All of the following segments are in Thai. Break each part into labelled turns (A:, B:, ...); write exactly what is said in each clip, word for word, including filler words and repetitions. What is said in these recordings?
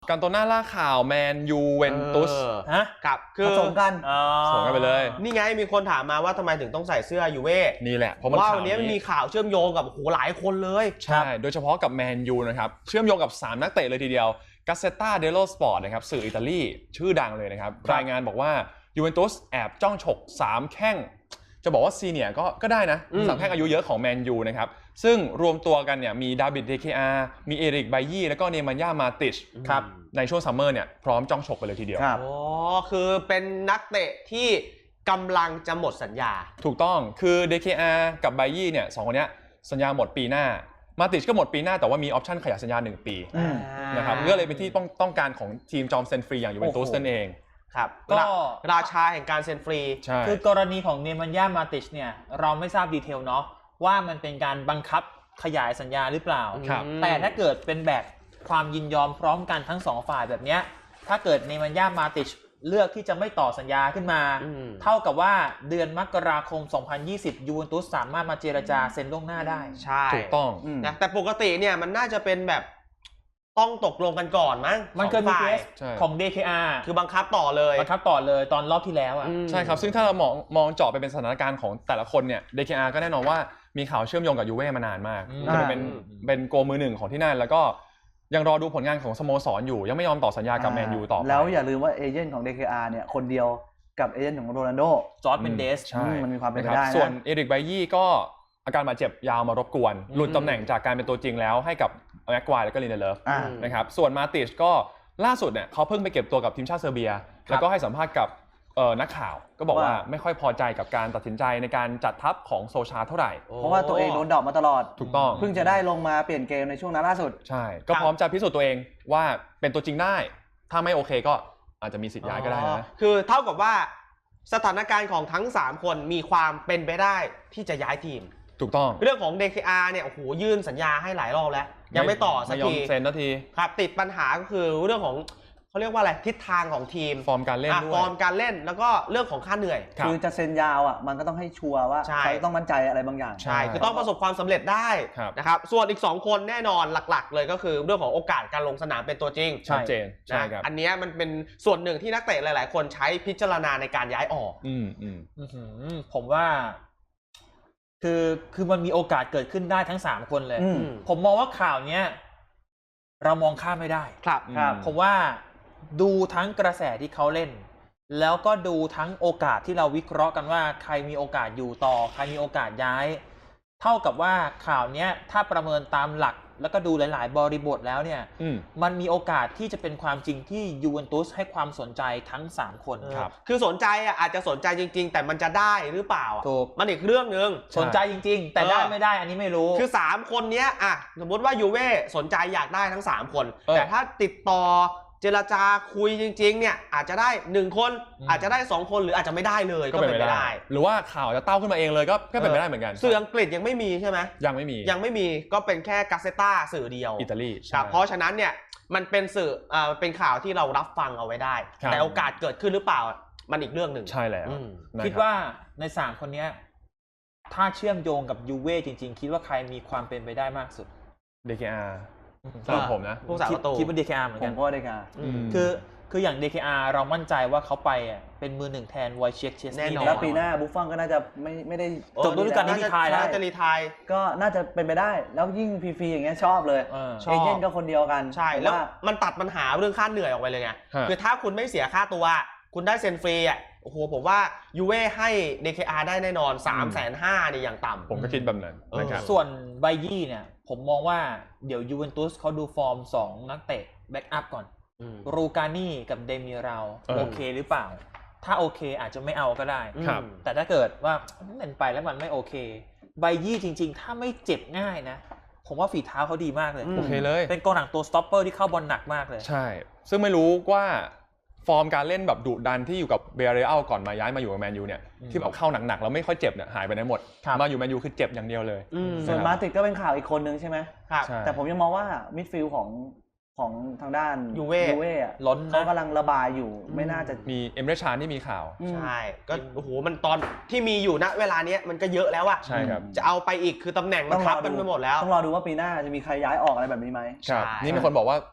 A: กันโตน่าล่าข่าวแมนยูเวนตุส
B: ฮะ
C: ครับคือ
B: ผสมกัน
A: ผสมกันไปเลย
C: นี่ไงมีคนถามมาว่าทำไมถึงต้องใส่เสื้อยูเว่
A: นี่แหละเพราะมัน
C: ว่าวันนี้มันมีข่าวเชื่อมโยงกับโหหลายคนเลย
A: ใช่โดยเฉพาะกับแมนยูนะครับเชื่อมโยงกับสามนักเตะเลยทีเดียวกาเซต้าเดโลสปอร์ตนะครับสื่ออิตาลีชื่อดังเลยนะครับรายงานบอกว่ายูเวนตุสแอบจ้องฉกสามแข้งจะบอกว่าซีเนียร์ก็ก็ได้นะสามแข้งอายุเยอะของแมนยูนะครับซึ่งรวมตัวกันเนี่ยมีดาวิดเดเคอาร์มีเอริกไบยี่แล้วก็เนมันย่ามาติชครับในช่วงซัมเมอร์เนี่ยพร้อมจ้องฉกไปเลยทีเดียว
C: อ๋อคือเป็นนักเตะที่กำลังจะหมดสัญญา
A: ถูกต้องคือ ดี เค อาร์ กับไบยี่เนี่ยสองคนนี้สัญญาหมดปีหน้ามาติชก็หมดปีหน้าแต่ว่ามีออปชั่นขยายสัญญาหนึ่งปีนะครับก็เลยเป็นที่ต้องต้องการของทีมจอมเซ็นฟรีอย่างยูเวนตุสนั่นเอง
C: ครับก็ราชาแห่งการเซ็นฟรี
B: คือกรณีของเนมันย่ามาติชเนี่ยเราไม่ทราบดีเทลเนาะว่ามันเป็นการบังคับขยายสัญญาหรือเปล่าแต่ถ้าเกิดเป็นแบบความยินยอมพร้อมกันทั้งสองฝ่ายแบบเนี้ยถ้าเกิดเนมันย่ามาติชเลือกที่จะไม่ต่อสัญญาขึ้นมาเท่ากับว่าเดือนมกราคมสองพันยี่สิบยูเวนตุสสามารถมาเจรจาเซ็นล่วงหน้าได้
C: ใช่
A: ถูกต้อง
C: นะแต่ปกติเนี่ยมันน่าจะเป็นแบบต้องตกลงกันก่อนมั้ง
B: มันเคยมีเคสของ ดี เค อาร์
C: คือบังคับต่อเลย
B: บังคับต่อเลยตอนรอบที่แล้วอ่ะ
A: ใช่ครับซึ่งถ้าเรามองมองเจาะไปเป็นสถานการณ์ของแต่ละคนเนี่ย ดี เค อาร์ ก็แน่นอนว่ามีข่าวเชื่อมโยงกับยูเว่มานานมากจะเป็นเป็นโกมือหนึ่งของที่นั่นแล้วก็ยังรอดูผลงานของสโมสรอยู่ยังไม่ยอมต่อสัญญากับแมนยูต่อไป
D: แล้วอย่าลืมว่าเอเจนต์ของ ดี เค อาร์ เนี่ยคนเดียวกับเอเจนต์ของโรนัลโด
B: จอร์จเมนเดส
A: ใช่
D: มันมีความเป็นไปได้นะ
A: ส่วนเอริกไบยี่ก็อาการบาดเจ็บยาวมารบกวนหลุดตำแหน่งจากการเป็นตัวจริงแล้วให้กับแม็กควายแล้วก็ลินเดเลฟนะครับส่วนมาติชก็ล่าสุดเนี่ยเขาเพิ่งไปเก็บตัวกับทีมชาติเซอร์เบียแล้วก็ให้สัมภาษณ์กับนักข่าวก็บอกว่าไม่ค่อยพอใจกับการตัดสินใจในการจัดทัพของโซชาเท่าไหร่
D: เพราะว่าตัวเองโดนดรอปมาตลอด
A: ถูกต้อง
D: เพิ่งจะได้ลงมาเปลี่ยนเกมในช่วงนั้นล่าสุด
A: ใช่ก็พร้อมจะพิสูจน์ตัวเองว่าเป็นตัวจริงได้ถ้าไม่โอเคก็อาจจะมีสิทธิ์ย้ายก็ได้นะ
C: คือเท่ากับว่าสถานการณ์ของทั้งสามคนมีความเป็นไปได้ที่จะย้ายทีม
A: ถูกต้อง
C: เรื่องของ ดี เค อาร์ เนี่ยโอ้โหยื่นสัญญาให้หลายรอบแล้วยังไม่ต่อสักที
A: เซ็นนาที
C: ครับติดปัญหาก็คือเรื่องของเขาเรียกว่าอะไรทิศทางของทีม
A: ฟอร์มการเล่นด้วย
C: ฟอร์มการเล่นแล้วก็เรื่องของค่าเหนื่อย
D: คือจะเซ็นยาวอ่ะมันก็ต้องให้ชัวร์ว่าเขาต้องมั่นใจอะไรบางอย่าง
C: ใช่คือต้องประสบความสำเร็จได้นะครับส่วนอีกสองคนแน่นอนหลักๆเลยก็คือเรื่องของโอกาสการลงสนามเป็นตัวจริง
A: ชัดเจนใช่ครับ
C: อันนี้มันเป็นส่วนหนึ่งที่นักเตะหลายๆคนใช้พิจารณาในการย้ายออก
A: อืมอืม
B: ผมว่าคือคือมันมีโอกาสเกิดขึ้นได้ทั้งสามคนเลยผมมองว่าข่าวเนี้ยเรามองข้ามไม่ได้
C: ครับ
B: ครับผมว่าดูทั้งกระแสที่เขาเล่นแล้วก็ดูทั้งโอกาสที่เราวิเคราะห์กันว่าใครมีโอกาสอยู่ต่อใครมีโอกาสย้ายเท่ากับว่าข่าวเนี้ยถ้าประเมินตามหลักแล้วก็ดูหลายๆบริบทแล้วเนี่ยมมันมีโอกาสที่จะเป็นความจริงที่ยูเวนตุสให้ความสนใจทั้งสามคน
C: ครับคือสนใจอ่ะอาจจะสนใจจริงๆแต่มันจะได้หรือเปล่าถูกมันอีกเรื่องนึง
B: สนใจจริงๆแต่ได้ไม่ได้อันนี้ไม่รู้
C: คือสามคนเนี้ยอ่ะสมมติว่ายูเว่สนใจอยากได้ทั้งสามคนแต่ถ้าติดต่อเจรจาคุยจริงๆเนี่ยอาจจะได้หนึ่งคนอาจจะได้สองคนหรืออาจจะไม่ได้เลยก็เป็นไปได้
A: หรือว่าข่าวจะเต้าขึ้นมาเองเลยก็ก็เป็นไปได้เหมือนกัน
C: สื่ออังกฤษยังไม่มีใช่ไหม
A: ยังไม่มี
C: ยังไม่มีก็เป็นแค่กาเซต้าสื่อเดียว
A: อิตาลี
C: ครับเพราะฉะนั้นเนี่ยมันเป็นสื่ออ่าเป็นข่าวที่เรารับฟังเอาไว้ได้แต่โอกาสเกิดขึ้นหรือเปล่ามันอีกเรื่องหนึ่ง
A: ใช่แล้ว
B: คิดว่าในสามคนนี้ถ้าเชื่อมโยงกับยูเว่จริงๆคิดว่าใครมีความเป็นไปได้มากสุด
A: ดี เค อาร์ สำหรับผมนะ
C: พวกสามประตู
B: คิดว่า ดี เค อาร์ เหมือนกัน
D: ผมก็ ดี เค อาร์
B: คือคืออย่าง ดี เค อาร์ เรามั่นใจว่าเขาไปอ่ะเป็นมือหนึ่งแทนไวเชคเชส
D: แน่นอนแล้วปีหน้าบุฟฟอนก็น่าจะไม่ไม่ได้
B: จบฤดูกาลนี้รีไทร์แล้ว
C: จะรีไทร์
D: ก็น่าจะเป็นไปได้แล้วยิ่งฟรีๆอย่างเงี้ยชอบเลยเอเจนต์ก็คนเดียวกัน
C: ใช่แล้วมันตัดปัญหาเรื่องค่าเหนื่อยออกไปเลยไงคือถ้าคุณไม่เสียค่าตัวคุณได้เซ็นฟรีอ่ะโอ้โหผมว่ายูเว่ให้ ดี เค อาร์ ได้แน่นอน สามแสนห้าหมื่น นี่อย่างต่ำ
A: ผมก็คิดแบบนั้นนะครับ
B: ส่วนไบยี่เนี่ยผมมองว่าเดี๋ยวยูเวนตุสเขาดูฟอร์มสองนักเตะแบ็กอัพก่อนรูกานี่กับเดมิราลโอเคหรือเปล่าถ้าโอเคอาจจะไม่เอาก็ได้แต่ถ้าเกิดว่าเล่นไปแล้วมันไม่โอเคไบยี่จริงๆถ้าไม่เจ็บง่ายนะผมว่าฝีเท้าเขาดีมากเลย
A: โอเคเลย
B: เป็นกองหลังตัวสต็อปเปอร์ที่เข้าบอลหนักมากเลย
A: ใช่ซึ่งไม่รู้ว่าฟอร์มการเล่นแบบดุดันที่อยู่กับเบเรอัลก่อนมาย้ายมาอยู่กับแมนยูเนี่ยที่แบบเข้าหนักๆแล้วไม่ค่อยเจ็บเนี่ยหายไปไหนหมดมาอยู่แมนยูคือเจ็บอย่างเดียวเลย
D: ส่วนมาติดก็เป็นข่าวอีกคนนึงใช่ไหมแต่ผมยังมองว่ามิดฟิลด์ของของทางด้าน
C: ยูเว่
D: ยูเว่
B: ล้น
D: เขากำลังระบายอยู่ไม่น่าจะ
A: มีเอเมเรชานที่มีข่าว
C: ใช่ก็โอ้โหมันตอนที่มีอยู่ณเวลานี้มันก็เยอะแล้วอะ
A: ใช่ครับ
C: จะเอาไปอีกคือตำแหน่งมันทับกันไปหมดแล้ว
D: ต้องรอดูว่าปีหน้าจะมีใครย้ายออกอะไรแบบนี้ไหม
A: ครับนี่มีคนบอกว่า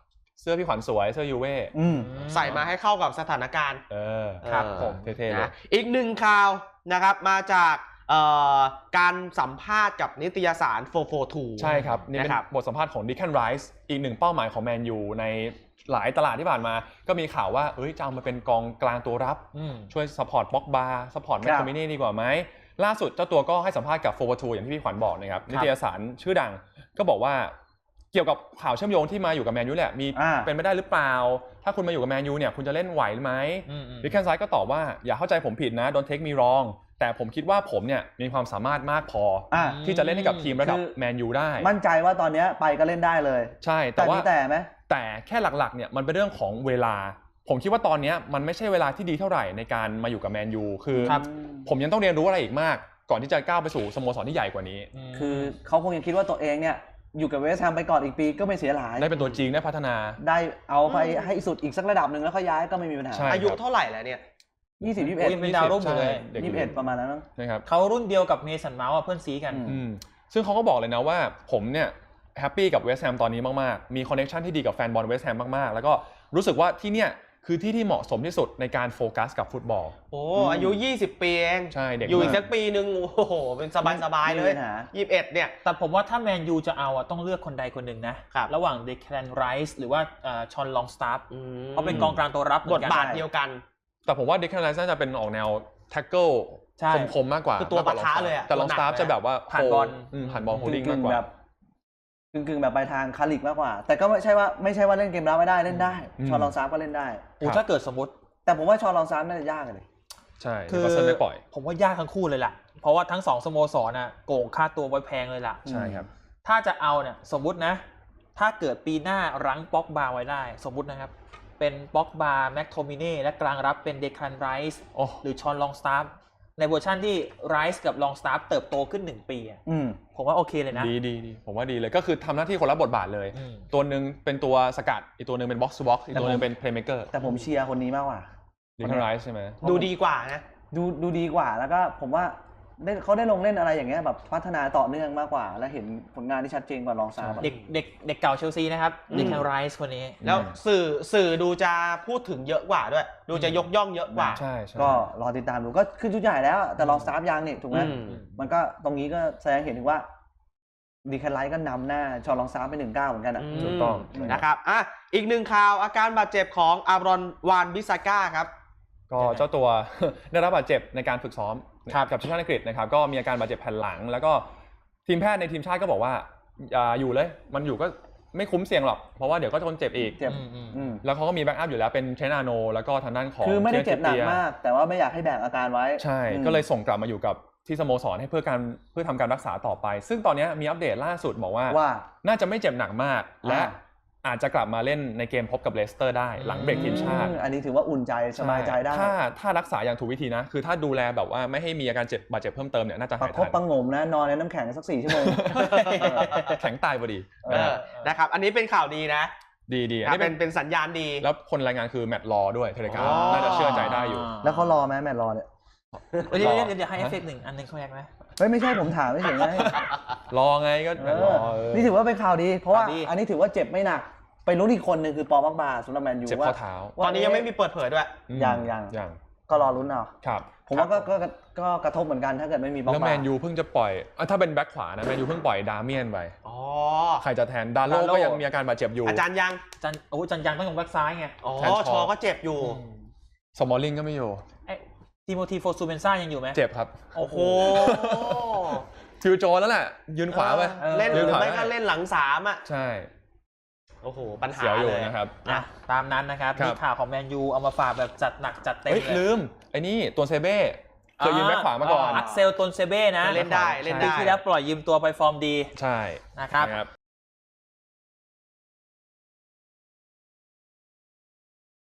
A: เสื้อพี่ขวัญสวยเสื้อยูเว่
D: อืม
C: ใส่มาให้เข้ากับสถานการณ์
A: เออ
B: ครับผม
A: เท่ๆเลย
C: นะอีกหนึ่งข่าวนะครับมาจากเอ่อการสัมภาษณ์กับนิตยสารโฟร์ โฟร์ ทู
A: ใช่ครับ นี่เป็น
C: นะครับ
A: บทสัมภาษณ์ของดิแคนไรส์อีกหนึ่งเป้าหมายของแมนยูในหลายตลาดที่ผ่านมา ก็มีข่าวว่าเอ้ยจะเอามาเป็นกองกลางตัวรับ
B: อืม
A: ช่วยซัพพอร์ตบ็อกบาร์ซัพพอร์ตแมคโทมินี่ดีกว่าไหมล่าสุดเจ้าตัวก็ให้สัมภาษณ์กับโฟร์ ทูอย่างที่พี่ขวัญบอกนะครับนิตยสารชื่อดังก็บอกว่าเกี่ยวกับข่าวเชื่อมโยงที่มาอยู่กับแมนยูแหละมี
D: อ่า
A: เป็นไปได้หรือเปล่า ถ้าคุณมาอยู่กับแมนยูเนี่ยคุณจะเล่นไหวไหม
B: อืมอืม
A: ดิแคนไซด์ก็ตอบว่าอย่าเข้าใจผมผิดนะ don't take me wrong แต่ผมคิดว่าผมเนี่ยมีความสามารถมากพออ
D: อ่ะ
A: ที่จะเล่นให้กับทีมระดับ
D: คือ
A: แมนยูได้
D: มั่นใจว่าตอนเนี้ยไปก็เล่นได้เลย
A: ใช่
D: แต่
A: แต่ว่า
D: มีแต่ไหม
A: แต่แค่หลักๆเนี่ยมันเป็นเรื่องของเวลา ผมคิดว่าตอนนี้มันไม่ใช่เวลาที่ดีเท่าไหร่ในการมาอยู่กับแมนยูคือ
B: ครับ
A: ผมยังต้องเรียนรู้อะไรอีกมาก ก่อนที่จะก้าวไปสู่สโมสรที่ใหญ่กว่านี้
D: คือเขาคงยังคิดว่าตัวเองเนี่ยอยู่กับเวสต์แฮมไปก่อนอีกปีก็ไม่เสียหาย
A: ได้เป็นตัวจริงได้พัฒนา
D: ได้เอาไปให้สุดอีกสักระดับหนึ่งแล้วเขาย้ายก็ไม่มีปัญหา
A: ใช่
C: อายุเท่าไหร่แล้วเนี่ย
D: ยี่สิบ ยี่สิบเอ็ด
B: ยังเป็นดาวรุ่งอยู่เลย
A: ด็ก
D: ยี่สิบเอ็ดประมาณนั้นมั้ง
A: นะครับ
B: เขารุ่นเดียวกับเมสันเมาส์อะเพื่อนซีกัน
D: อืม
A: อืมซึ่งเขาก็บอกเลยนะว่าผมเนี่ยแฮปปี้กับเวสต์แฮมตอนนี้มากๆมีคอนเนคชันที่ดีกับแฟนบอลเวสต์แฮมมากๆแล้วก็รู้สึกว่าที่เนี่ยคือที่ที่เหมาะสมที่สุดในการโฟกัสกับฟุตบอล
C: โอ้อายุยี่สิบปีเอง
A: ใช่เด็ก
C: อยู่อีก
A: มาก
C: สักปีหนึ่งโอ้โหเป็นสบายๆเลย
D: ไม่มีปัญหา
C: ยี่สิบเอ็ดเนี่ย
B: แต่ผมว่าถ้าแมนยูจะเอาอะต้องเลือกคนใดคนหนึ่งนะครับ ระหว่างเดคแลนไรส์หรือว่าชอนลองสตาร์ฟ
C: อืม
B: เขาเป็นกองกลางตัวรับเห
C: บ
B: มือ
C: ท
B: นกัน
C: บาทเดียวกัน
A: แต่ผมว่าเด็กแคนไลซ์น่าจะเป็นออกแนวแท็กเกิล
B: ใช่
A: คมๆมากกว่า
C: คือตัวปะทะเลยอะ
A: แต่ลองสตาร์ฟจะแบบว่า
B: ผ่านบอล
A: อืมผ่านบอลโฮล
D: กึ่
A: ดิ้ง
D: ง
A: มาก
D: ๆ
A: กว่า
D: แบบกึ่งๆแบบไปทางคาลิกมากกว่า แต่ก็ไม่ใช่ว่าไม่ใช่ว่าเล่นเกมรับไม่ได้เล่นได้
A: อืม
D: ชอนลองซาร์ฟก็เล่นได้
B: โอ้ถ้าเกิดสมมติ
D: แต่ผมว่าชอนลองซาร์ฟน่าจะยากเลย
A: ใช่
B: คือ
A: ก็เซนไม่ปล่อย
B: ผมว่ายากทั้งคู่เลยล่ะ เพราะว่าทั้งสองสโมสรน่ะโกงค่าตัวไว้แพงเลยล่ะ
A: ใช่ครับ
B: ถ้าจะเอาเนี่ยสมมุตินะ ถ้าเกิดปีหน้ารั้งป็อกบาไว้ได้ สมมุตินะครับ เป็นป็อกบาแม็กโทมิเน่และกลางรับเป็นเดคลันไรส์
A: โอ้
B: หรือชอนลองสตาร์ฟในเวอร์ชันที่ไรส์กับลองสตาร์ฟเติบโตขึ้นหนึ่งปีอะ
D: อืม
B: ผมว่าโอเคเลยนะ
A: ดีดีดีผมว่าดีเลยก็คือทำหน้าที่คนละบทบาทเลย
B: อืม
A: ตัวหนึ่งเป็นตัวสกัดอีกตัวหนึ่งเป็นบ็อกซ์บ็อกซ์อีกตัวหนึ่ง
D: แต่ผม
A: เป็นเพลย์เม k เกอร์
D: แต่ผมเชียร์คนนี้มากกว่า
A: ดิแคนไรซ์ใช่ไหม
C: ดูดีกว่านะ
D: ดูดูดีกว่าแล้วก็ผมว่าได้เขาได้ลงเล่นอะไรอย่างเงี้ยแบบพัฒนาต่อเนื่องมากกว่า และเห็นผลงานที่ชัดเจนกว่าลองซาร์ฟอะ
B: เด็กเด็กเด็กเก่าเชลซีนะครับ
C: อืม
B: เดคลันไรส์คนนี้
C: แล้วสื่อสื่อดูจะพูดถึงเยอะกว่าด้วย ดูจะยกย่องเยอะกว่า
A: ใช่ใช่
D: ก็รอติดตามดูก็ขึ้นชุดใหญ่แล้ว แต่ลองซาร์ฟยังนี่ถูกไหม
C: อืม
D: มันก็ตรงนี้ก็แสดงเห็นถึงว่าดีแคลไลท์ก็นำหน้าชอลองซาร์ฟไปหนึ่งเก้าเหมือนกันอ่ะ
A: ถูกต้อง
C: มนะครับอ่ะอีกหนึ่งข่าวอาการบาดเจ็บของอารอนวานบิซาก้าครับ
A: ก็เจ้าตัว ได้รับบาดเจ็บในการฝึกซ้อม
B: ครับ
A: กับทีมชาติอังกฤษนะครับก็มีอาการบาดเจ็บแผ่นหลัง แล้วก็ทีมแพทย์ในทีมชาติก็บอกว่าอย่าอยู่เลย มันอยู่ก็ไม่คุ้มเสี่ยงหรอกเพราะว่าเดี๋ยวก็จะคนเจ็บอีก
D: เจ็บ
B: อืมอืม
D: อืม
A: แล้วเขาก็มีแบ็กอัพอยู่แล้วเป็นเทรนอาโนแล้วก็ทางด้านของ
D: คือไม่ได้เจ็บหนัก
A: ทีย
D: มาก แต่ว่าไม่อยากให้แบกอาการไว้
A: ใช่
D: อืม
A: ก็เลยส่งกลับมาอยู่กับที่สโมสรให้เพื่อการเพื่อทำการรักษาต่อไป ซึ่งตอนนี้มีอัปเดตล่าสุดบอกว่า
D: ว่า
A: น่าจะไม่เจ็บหนักมาก และ
D: อ่า
A: อาจจะกลับมาเล่นในเกมพบกับเลสเตอร์ได้หลังเบรกทีมชาติ
D: อืมอันนี้ถือว่าอุ่นใจสบายใจได้
A: ถ้าถ้ารักษาอย่างถูกวิธีนะ คือถ้าดูแลแบบว่าไม่ให้มีอาการเจ็บบาดเจ็บเพิ่มเติมเนี่ยน่าจะ
D: ประ
A: หาย
D: คบ
A: ทัน
D: ประหงมนะนอนในน้ำแข็งสักสี่ชั่วโมง
A: แข็งตายพอดี
D: เออ
A: นะฮะ
C: นะครับ อันนี้เป็นข่าวดีนะ
A: ดีดีอัน
C: ครับ
A: นี้
C: เป็
A: เป็น น
C: เป็นสัญญาณดี
A: แล้วคนรายงานคือแมตต์รอด้วยเทเลกรา
C: อ๋
A: ฟ
C: อ
A: น่าจะเชื่อใจได้อยู่
D: แล้วเขารอไหมแมตช์รอเนี่ย
B: เดี๋ยวเดี๋ยวเดี๋ยวให้เอฟเฟกต์หนึ่งอันหนึ่งเขาแยกไหม
D: เฮ้ยไม่ใช่ผมถามไม่เฉยไง
A: รอไงก็แมตต์รอเออ
D: นี่ถือว่าเป็นข่าวดี เพราะว่า
B: ข่าวดี
D: อันนี้ถือว่าเจ็บไม่หนัก ไปรู้นอีกคนหนึ่งคือปอมักบาสำหรับแมนยู
A: เจ็บ
D: ว่า
A: ข้อเท้า
C: ตอนนี้ยังไม่มีเปิดเผยด้วย
A: อืม
D: ยังยัง
A: ยัง
D: ก็รอลุ้นเอา
A: ครับ
D: ผมว่าก็ก็ก็ก็กระทบเหมือนกันถ้าเกิดไม่มีปอ
A: แล้ว
D: ก
A: แม
D: บา
A: นยูเพิ่งจะปล่อยอ่ะถ้าเป็นแบ็คขวานะแมนยูเพิ่งปล่อยดาเมียนไป
C: อ๋อ
A: ใครจะแทนดาโล
B: ดาโล่
A: ก็ยังมีอาการบาดเจ็บอยู่
C: อาจารย์ยัง
B: จันโอ้จันยังต้องลงแบ็กซ้ายไง
C: อ๋อ
A: แทนชอ
C: ชอก็เจ็บอยู่
B: อืม
A: สมอลลิงก็ไม่อยู่
B: ไอ้ทิโมธีโฟซูเบนซ่ายังอยู่ไหม
A: เจ็บครับ
B: โอ้โห
A: ฟิวโจนแล้วแหละยืนขวาไป
B: เออ
C: เล่นห
A: ยื
C: รื
A: น
C: อ
A: ขวา
C: ไม่
A: ได้
C: ก็เล่นหลังสามอ่ะ
A: ใช่
C: โอ้โห ปัญหา
A: เสียวอยู่
C: เลย
A: นะครับ
B: อ่ะตามนั้นนะครับ
A: ครับ
B: มีข่าวของแมนยูเอามาฝากแบบจัดหนักจัดเต็ม
A: เฮ้ย
B: เลย
A: ลืมไอ้นี่ตัวเซเบ้เคยยืนแบ็คขวามาก่อน
B: อักเซลตนเซเบ้นะ
C: เล่นได้เล่น
B: ปี
C: ได้
B: ที่แล้วปล่อยยืมตัวไปฟอร์มดี
A: ใช่
B: นะครับ
A: นะครับ